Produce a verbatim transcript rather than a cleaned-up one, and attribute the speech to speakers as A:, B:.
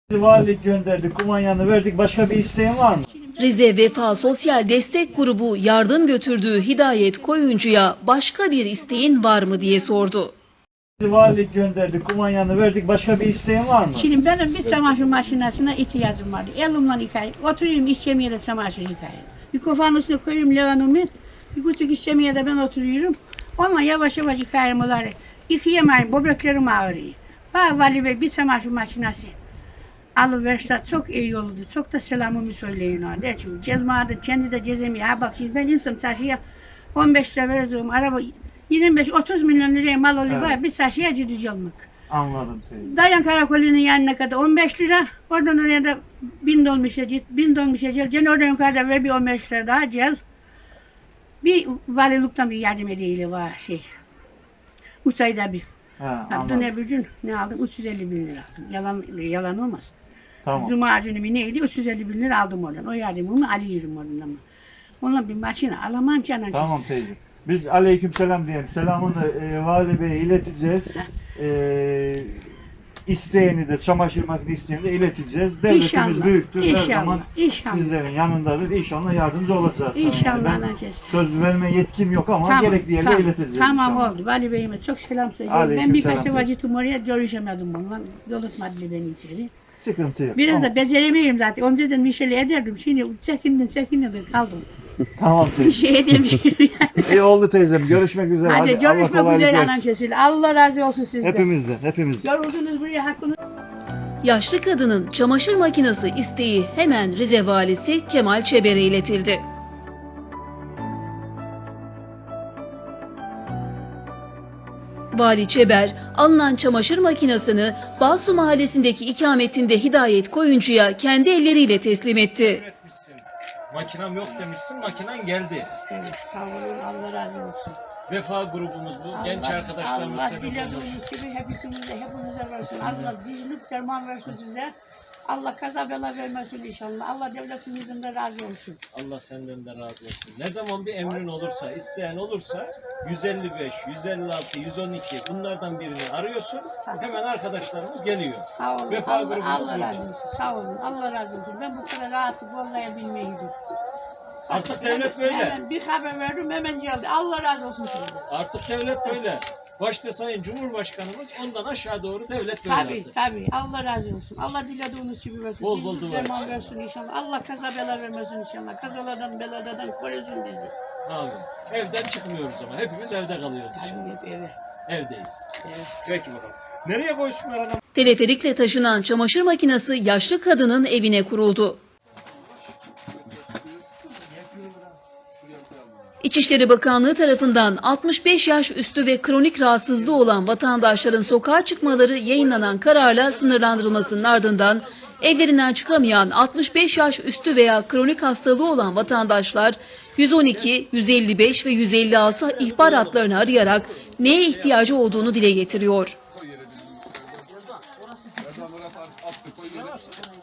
A: Valilik gönderdik, kumanyanı verdik. Başka bir isteğin var mı?
B: Rize Vefa Sosyal Destek Grubu yardım götürdüğü Hidayet Koyuncu'ya başka bir isteğin var mı diye sordu.
A: Valilik gönderdik, kumanyanı verdik. Başka bir isteğin var mı?
C: Şimdi benim bir çamaşır makinesine ihtiyacım vardı. Elimle yıkayayım. Oturuyorum iş yemeğe çamaşır yıkayayım. Bir kofanın üstüne koyuyorum leğenimi. Bir küçük iş yemeğe de ben oturuyorum. Onunla yavaş yavaş yıkayayım onları. Yıkayamayayım, böbreklerim ağrıyor. Bana Vali Bey bir çamaşır makinesi alıverse çok iyi olurdu. Çok da selamımı söyleyin ona. De çünkü cezmada kendi de cezemiyor. Ha bak şimdi ben insan çarşıya on beş lira vereceğim. Araba yirmi beş otuz milyon liraya mal oluyor.
A: Evet.
C: Bir çarşıya cüdücü olmak.
A: Anladım teyze.
C: Dayan Karakolu'nun yanına kadar on beş lira. Oradan oraya da bin dolmuşa git. Bin dolmuşa gel. Gene oradan yukarıda ver bir on beş lira daha gel. Bir valilikten bir yardım edeyle var şey. Üç ayda bir.
A: Ha,
C: Dün
A: anladım.
C: öbür gün ne aldım? üç yüz elli bin lira aldım. Yalan, yalan olmaz.
A: Tamam.
C: Cuma günü mü neydi? üç yüz elli bin lira aldım oradan. O yardımımı alıyorum oradan ama. Onunla bir makine alamam ki anacığım.
A: Tamam teyze. Biz aleykümselam diyelim. Selamını e, Vali Bey'e ileteceğiz. E, isteğini de, çamaşır makinesi isteğini de ileteceğiz. Devletimiz
C: İnşallah,
A: büyüktür. Her
C: inşallah,
A: zaman
C: inşallah.
A: sizlerin yanındadır. İnşallah yardımcı olacağız. sana.
C: İnşallah
A: Ben
C: anacığım.
A: söz verme yetkim yok ama gerekli yerde
C: tamam,
A: ileteceğiz
C: Tamam
A: inşallah.
C: oldu. Vali Bey'ime çok selam söylüyorum.
A: Aleyküm
C: Ben birkaç
A: selam
C: defa
A: teyze.
C: gittim oraya görüşemedim onunla. Yol etmedi beni içeri.
A: Sıkıntı yok.
C: Biraz
A: Tamam.
C: da beceremeyim zaten. Önceden bir şeyler ederdim. Şimdi çekindim çekindim de kaldım.
A: Tamam
C: Bir
A: teyze.
C: şey edemiyorum yani.
A: İyi oldu teyzem. Görüşmek üzere.
C: Hadi,
A: Hadi, Allah
C: görüşmek
A: kolaylık
C: üzere
A: versin.
C: anan kesil. Allah razı olsun sizden.
A: Hepimizden, hepimizden.
C: Yoruldunuz buraya hakkını.
B: Yaşlı kadının çamaşır makinesi isteği hemen Rize Valisi Kemal Çeber'e iletildi. Vali Çeber, alınan çamaşır makinesini Balsu Mahallesi'ndeki ikametinde Hidayet Koyuncu'ya kendi elleriyle teslim etti.
D: Üretmişsin. Makinem yok demişsin, makinen geldi.
C: Evet sağ olun. Allah razı olsun.
D: Vefa grubumuz bu. Genç arkadaşlarımız
C: Allah
D: sebep olmuş.
C: dilediğiniz gibi hepsinize, hepinize versin. Allah dinlik derman versin size. Allah kaza bela vermesin inşallah. Allah devletimizden de razı olsun.
D: Allah senden de razı olsun. Ne zaman bir emrin olursa, isteyen olursa yüz elli beş, yüz elli altı, yüz on iki bunlardan birini arıyorsun. Hemen arkadaşlarımız geliyor.
C: Sağ olun.
D: Vefa
C: Allah,
D: grubumuz
C: Allah
D: burada.
C: razı olsun. Sağ olun. Allah razı olsun. Ben bu kadar rahatlık vallayabilmeydim.
D: Artık devlet böyle.
C: Hemen bir haber verdim hemen geldi. Allah razı olsun sizden.
D: Artık devlet böyle. Başta Sayın Cumhurbaşkanımız, ondan aşağı doğru devlet böyle
C: Tabii
D: artık.
C: tabii. Allah razı olsun. Allah dilediğiniz gibi versin.
D: Bol bol
C: Dinlik
D: dua
C: derman
D: etsin.
C: versin inşallah. Allah kaza bela vermesin inşallah. Kazalardan belalardan korusun bizi.
D: Abi, evden çıkmıyoruz ama hepimiz evde kalıyoruz
C: Tabii
D: inşallah.
C: hep eve.
D: Evdeyiz.
C: Evet.
D: Peki bakalım. Nereye koysunlar anam?
B: Teleferikle taşınan çamaşır makinesi yaşlı kadının evine kuruldu. İçişleri Bakanlığı tarafından altmış beş yaş üstü ve kronik rahatsızlığı olan vatandaşların sokağa çıkmaları yayınlanan kararla sınırlandırılmasının ardından evlerinden çıkamayan altmış beş yaş üstü veya kronik hastalığı olan vatandaşlar yüz on iki, yüz elli beş ve yüz elli altı ihbar hatlarını arayarak neye ihtiyacı olduğunu dile getiriyor.
D: Orası